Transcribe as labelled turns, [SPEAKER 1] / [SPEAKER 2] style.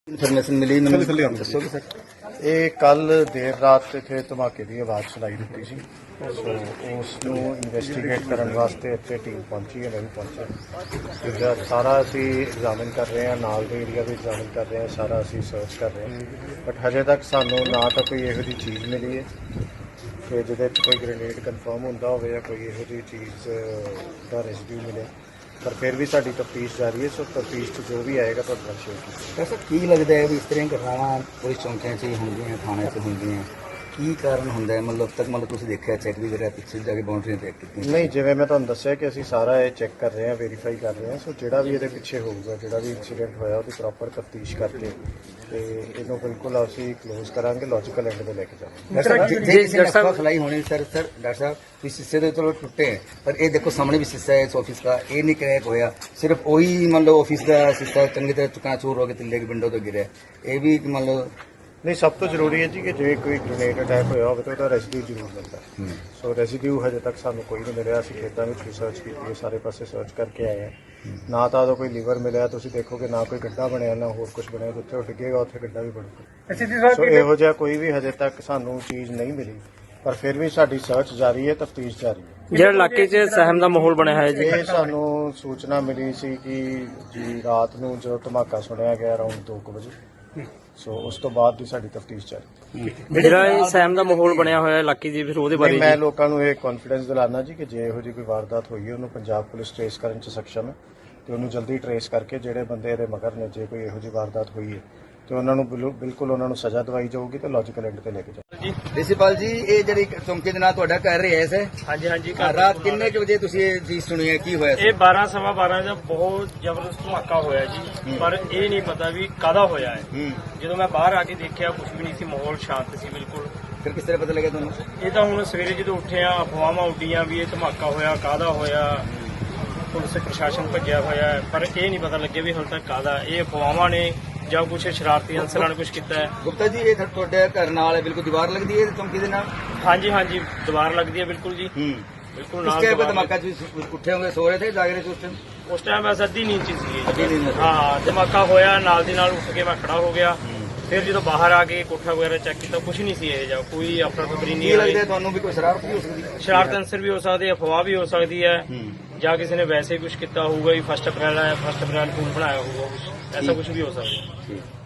[SPEAKER 1] Information ਮਿਲੀ ਮੈਨੂੰ ਦੱਸੋਗੇ ਸਰ?
[SPEAKER 2] ਇਹ ਕੱਲ ਦੇਰ ਰਾਤ ਇੱਥੇ ਧਮਾਕੇ ਦੀ ਆਵਾਜ਼ ਸੁਣਾਈ ਦਿੱਤੀ ਸੀ। ਸੋ ਉਸ ਨੂੰ ਇਨਵੈਸਟੀਗੇਟ ਕਰਨ ਵਾਸਤੇ ਇੱਥੇ ਟੀਮ ਪਹੁੰਚੀ ਹੈ। ਮੈਂ ਵੀ ਪਹੁੰਚਿਆ। ਜਿਹਦਾ ਸਾਰਾ ਅਸੀਂ ਐਗਜ਼ਾਮਿਨ ਕਰ ਰਹੇ ਹਾਂ, ਨਾਲ ਦੇ ਏਰੀਆ ਵੀ ਐਗਜ਼ਾਮਿਨ ਕਰ ਰਹੇ ਹਾਂ, ਸਾਰਾ ਅਸੀਂ ਸਰਚ ਕਰ ਰਹੇ ਹਾਂ। ਬਟ ਹਜੇ ਤੱਕ ਸਾਨੂੰ ਨਾ ਤਾਂ ਕੋਈ ਇਹੋ ਜਿਹੀ ਚੀਜ਼ ਮਿਲੀ ਹੈ ਕਿ ਜਿਹਦੇ 'ਚ ਕੋਈ ਗ੍ਰੇਨੇਡ ਕਨਫਰਮ ਹੁੰਦਾ ਹੋਵੇ ਜਾਂ ਕੋਈ ਇਹੋ ਜਿਹੀ ਚੀਜ਼ ਦਾ ਰੈਸਿਡਿਊ ਮਿਲੇ। ਪਰ ਫਿਰ ਵੀ ਸਾਡੀ ਤਫਤੀਸ਼ ਜਾਰੀ ਹੈ। ਸੋ ਤਫਤੀਸ਼ 'ਚ ਜੋ ਵੀ ਆਏਗਾ ਤੁਹਾਡੇ ਨਾਲ ਸ਼ੇਅਰ ਕੀਤਾ।
[SPEAKER 1] ਸਰ ਕੀ ਲੱਗਦਾ ਹੈ ਵੀ ਇਸ ਤਰ੍ਹਾਂ ਘਟਨਾਵਾਂ ਪੁਲਿਸ ਚੌਂਕਿਆਂ 'ਚ ਹੀ ਹੁੰਦੀਆਂ, ਥਾਣੇ 'ਚ ਹੁੰਦੀਆਂ, ਕੀ ਕਾਰਨ ਹੁੰਦਾ ਹੈ? ਮਤਲਬ ਤੱਕ ਤੁਸੀਂ ਦੇਖਿਆ, ਚੈੱਕ ਵੀ ਕਰਿਆ, ਪਿੱਛੇ ਜਾ ਕੇ ਬਾਉਂਡਰੀਆਂ ਚੈੱਕ ਕੀਤੀਆਂ?
[SPEAKER 2] ਨਹੀਂ, ਜਿਵੇਂ ਮੈਂ ਤੁਹਾਨੂੰ ਦੱਸਿਆ ਕਿ ਅਸੀਂ ਸਾਰਾ ਇਹ ਚੈੱਕ ਕਰ ਰਹੇ ਹਾਂ, ਵੈਰੀਫਾਈ ਕਰ ਰਹੇ ਹਾਂ। ਸੋ ਜਿਹੜਾ ਵੀ ਇਹਦੇ ਪਿੱਛੇ ਹੋਊਗਾ, ਜਿਹੜਾ ਵੀ ਇਨਸੀਡੈਂਟ ਹੋਇਆ, ਉਹਦੀ ਪ੍ਰੋਪਰ ਤਫਤੀਸ਼ ਕਰਕੇ ਤੇ ਇਹਨੂੰ ਬਿਲਕੁਲ ਅਸੀਂ ਕਲੋਜ਼ ਕਰਾਂਗੇ, ਲੌਜੀਕਲ ਐਂਡ ਤੇ ਲੈ ਕੇ ਜਾਵਾਂਗੇ।
[SPEAKER 1] ਜੇ ਕਿਸੇ ਨੇ ਅਫਵਾਹ ਫੈਲਾਈ ਹੋਣੀ ਸਰ ਡਾਕਟਰ ਸਾਹਿਬ ਵੀ शीशे तो चलो टुटे हैं, पर ये देखो सामने भी शीशा है इस ऑफिस का, ये नहीं क्रैक होया, सिर्फ वही मान लो ऑफिस का शीशा चंगी तरह चकनाचूर हो गया, तिल्ले की विंडो तो गिरे, ये भी मान लो
[SPEAKER 2] ਨਹੀਂ, ਸਭ ਤੋਂ ਜ਼ਰੂਰੀ ਹੈ ਜੀ ਕਿ ਜੇ ਕੋਈ ਗ੍ਰੇਨੇਡ ਅਟੈਕ ਹੋਇਆ ਹੋਵੇ ਤਾਂ ਉਹਦਾ ਰੈਸਿਡਿਊ ਜ਼ਰੂਰ ਮਿਲਦਾ। ਸੋ ਰੈਸਿਡਿਊ ਹਜੇ ਤੱਕ ਸਾਨੂੰ ਕੋਈ ਨਹੀਂ ਮਿਲਿਆ। ਅਸੀਂ ਖੇਤਾਂ ਵਿੱਚ ਵੀ ਸਰਚ ਕੀਤੀ ਹੈ, ਸਾਰੇ ਪਾਸੇ ਸਰਚ ਕਰਕੇ ਆਏ ਹਾਂ। ਨਾ ਤਾਂ ਉਹਦਾ ਕੋਈ ਲੀਵਰ ਮਿਲਿਆ, ਤੁਸੀਂ ਦੇਖੋਗੇ, ਨਾ ਕੋਈ ਗੱਡਾ ਬਣਿਆ, ਨਾ ਹੋਰ ਕੁਝ ਬਣਿਆ। ਜਿੱਥੇ ਉਹ ਡਿੱਗੇਗਾ ਉੱਥੇ ਗੱਡਾ ਵੀ ਬਣੂਗਾ। ਸੋ ਇਹੋ ਜਿਹਾ ਕੋਈ ਵੀ ਹਜੇ ਤੱਕ ਸਾਨੂੰ ਚੀਜ਼ ਨਹੀਂ ਮਿਲੀ, ਪਰ ਫਿਰ ਵੀ ਸਾਡੀ ਸਰਚ ਜਾਰੀ ਹੈ, ਤਫਤੀਸ਼ ਜਾਰੀ ਹੈ।
[SPEAKER 3] ਜਿਹੜਾ ਇਲਾਕੇ 'ਚ ਸਹਿਮ ਦਾ ਮਾਹੌਲ ਬਣਿਆ ਹੋਇਆ ਜੀ,
[SPEAKER 2] ਇਹ ਸਾਨੂੰ ਸੂਚਨਾ ਮਿਲੀ ਸੀ ਕਿ ਜੀ ਰਾਤ ਨੂੰ ਜਦੋਂ ਧਮਾਕਾ ਸੁਣਿਆ ਗਿਆ ਅਰਾਊਂਡ 2 ਵਜੇ। ਸੋ ਉਸ ਤੋਂ ਬਾਅਦ ਦੀ ਸਾਡੀ ਤਫਤੀਸ਼ ਚੱਲ।
[SPEAKER 3] ਜਿਹੜਾ ਇਹ ਸਹਿਮ ਦਾ ਮਾਹੌਲ ਬਣਿਆ ਹੋਇਆ ਇਲਾਕੇ 'ਚ, ਫਿਰ ਉਹਦੇ ਬਾਰੇ
[SPEAKER 2] ਮੈਂ ਲੋਕਾਂ ਨੂੰ ਇਹ ਕੌਨਫੀਡੈਂਸ ਦਿਲਾਨਾ ਜੀ ਕਿ ਜੇ ਇਹੋ ਜਿਹੀ ਕੋਈ ਵਾਰਦਾਤ ਹੋਈ ਹੈ, ਉਹਨੂੰ ਪੰਜਾਬ ਪੁਲਿਸ ਟ੍ਰੇਸ ਕਰਨ 'ਚ ਸક્ષਮ ਹੈ ਤੇ ਉਹਨੂੰ ਜਲਦੀ ਟ੍ਰੇਸ ਕਰਕੇ ਜਿਹੜੇ ਬੰਦੇ ਇਹਦੇ ਮਗਰ ਨੇ, ਜੇ ਕੋਈ ਇਹੋ ਜਿਹੀ ਵਾਰਦਾਤ ਹੋਈ ਹੈ ਤੇ ਉਹਨਾਂ ਨੂੰ ਬਿਲਕੁਲ ਉਹਨਾਂ ਨੂੰ ਸਜ਼ਾ ਦਵਾਈ ਜਾਊਗੀ ਤੇ ਲੌਜੀਕਲ ਐਂਡ ਤੇ ਲੈ ਕੇ ਜਾਊਗੀ।
[SPEAKER 1] ਪ੍ਰਿੰਸੀਪਲ ਜੀ, ਇਹ ਜਿਹੜੀ ਚੌਂਕੀ ਦੇ ਨਾਲ ਤੁਹਾਡਾ ਘਰ ਰਿਹਾ ਹੈ?
[SPEAKER 3] ਹਾਂਜੀ।
[SPEAKER 1] ਰਾਤ ਕਿੰਨੇ ਕੁ ਵਜੇ ਤੁਸੀਂ ਇਹ ਚੀਜ਼ ਸੁਣੀ ਹੈ? ਕੀ ਹੋਇਆ ਸੀ?
[SPEAKER 3] ਇਹ 12 ਸਵਾ 12 ਦਾ ਬਹੁਤ ਜ਼ਬਰਦਸਤ ਧਮਾਕਾ ਹੋਇਆ ਜੀ, ਪਰ ਇਹ ਨਹੀਂ ਪਤਾ ਵੀ ਕਾਹਦਾ ਹੋਇਆ ਹੈ। ਜਦੋਂ ਮੈਂ ਬਾਹਰ ਆ ਕੇ ਦੇਖਿਆ, ਕੁਝ ਵੀ ਨਹੀਂ ਸੀ, ਮਾਹੌਲ ਸ਼ਾਂਤ ਸੀ ਬਿਲਕੁਲ।
[SPEAKER 1] ਫਿਰ ਕਿਸ ਤਰ੍ਹਾਂ ਪਤਾ ਲੱਗਿਆ ਤੁਹਾਨੂੰ?
[SPEAKER 3] ਇਹ ਤਾਂ ਹੁਣ ਸਵੇਰੇ ਜਦੋਂ ਉੱਠੇ ਆ, ਅਫਵਾਹਾਂ ਉੱਡੀਆਂ ਵੀ ਇਹ ਧਮਾਕਾ ਹੋਇਆ, ਕਾਹਦਾ ਹੋਇਆ, ਪੁਲਿਸ ਪ੍ਰਸ਼ਾਸਨ ਭੱਜਿਆ ਹੋਇਆ ਹੈ, ਪਰ ਇਹ ਨਹੀਂ ਪਤਾ ਲੱਗਿਆ ਵੀ ਹੁਣ ਤੱਕ ਕਾਹਦਾ। ਇਹ ਅਫਵਾਹਾਂ ਨੇ ਜਾਂ ਕੁਝ ਸ਼ਰਾਰਤੀ ਅੰਸਰਾਂ ਨੇ ਕੁਝ ਕੀਤਾ ਹੈ।
[SPEAKER 1] ਗੁਪਤਾ ਜੀ, ਇਹ ਤੁਹਾਡੇ ਘਰ ਨਾਲ ਬਿਲਕੁਲ ਦੀਵਾਰ ਲੱਗਦੀ ਹੈ ਚੌਂਕੀ ਦੇ ਨਾਲ?
[SPEAKER 3] ਹਾਂਜੀ, ਦੀਵਾਰ ਲੱਗਦੀ ਹੈ ਬਿਲਕੁਲ ਜੀ, ਬਿਲਕੁਲ ਨਾਲ।
[SPEAKER 1] ਇਸ ਟਾਈਮ ਧਮਾਕਾ ਜੀ ਉੱਠੇ ਹੋਗੇ, ਸੋ ਰਹੇ ਥੇ, ਜਾਗ ਰਹੇ ਥੇ
[SPEAKER 3] ਉਸ ਟਾਈਮ ਮੈਂ ਅੱਧੀ ਨੀਂਦ 'ਚ ਸੀ। ਹਾਂ, ਧਮਾਕਾ ਹੋਇਆ, ਨਾਲ ਦੀ ਨਾਲ ਉੱਠ ਕੇ ਮੈਂ ਖੜਾ ਹੋ ਗਿਆ। ਫਿਰ ਜਦੋਂ ਬਾਹਰ ਆ ਕੇ ਕੋਠਾ ਵਗੈਰਾ ਚੈੱਕ ਕੀਤਾ, ਕੁਝ ਨਹੀਂ ਸੀ ਇਹ ਜਿਹਾ, ਕੋਈ ਅਫਰਾ ਤਫਰੀ ਨਹੀਂ।
[SPEAKER 1] ਲੱਗਦਾ ਤੁਹਾਨੂੰ ਵੀ ਕੋਈ ਸ਼ਰਾਰਤ ਵੀ ਹੋ ਸਕਦੀ ਹੈ?
[SPEAKER 3] ਸ਼ਰਾਰਤ ਅੰਸਰ ਵੀ ਹੋ ਸਕਦੇ, ਅਫਵਾਹ ਵੀ ਹੋ ਸਕਦੀ ਹੈ, ਜਾਂ ਕਿਸੇ ਨੇ ਵੈਸੇ ਕੁਝ ਕੀਤਾ ਹੋਊਗਾ ਵੀ 1 ਅਪ੍ਰੈਲ ਹੈ, 1 ਅਪ੍ਰੈਲ ਫੋਨ ਬਣਾਇਆ ਹੋਊਗਾ, ਐਸਾ ਕੁਝ ਵੀ ਹੋ ਸਕਦਾ।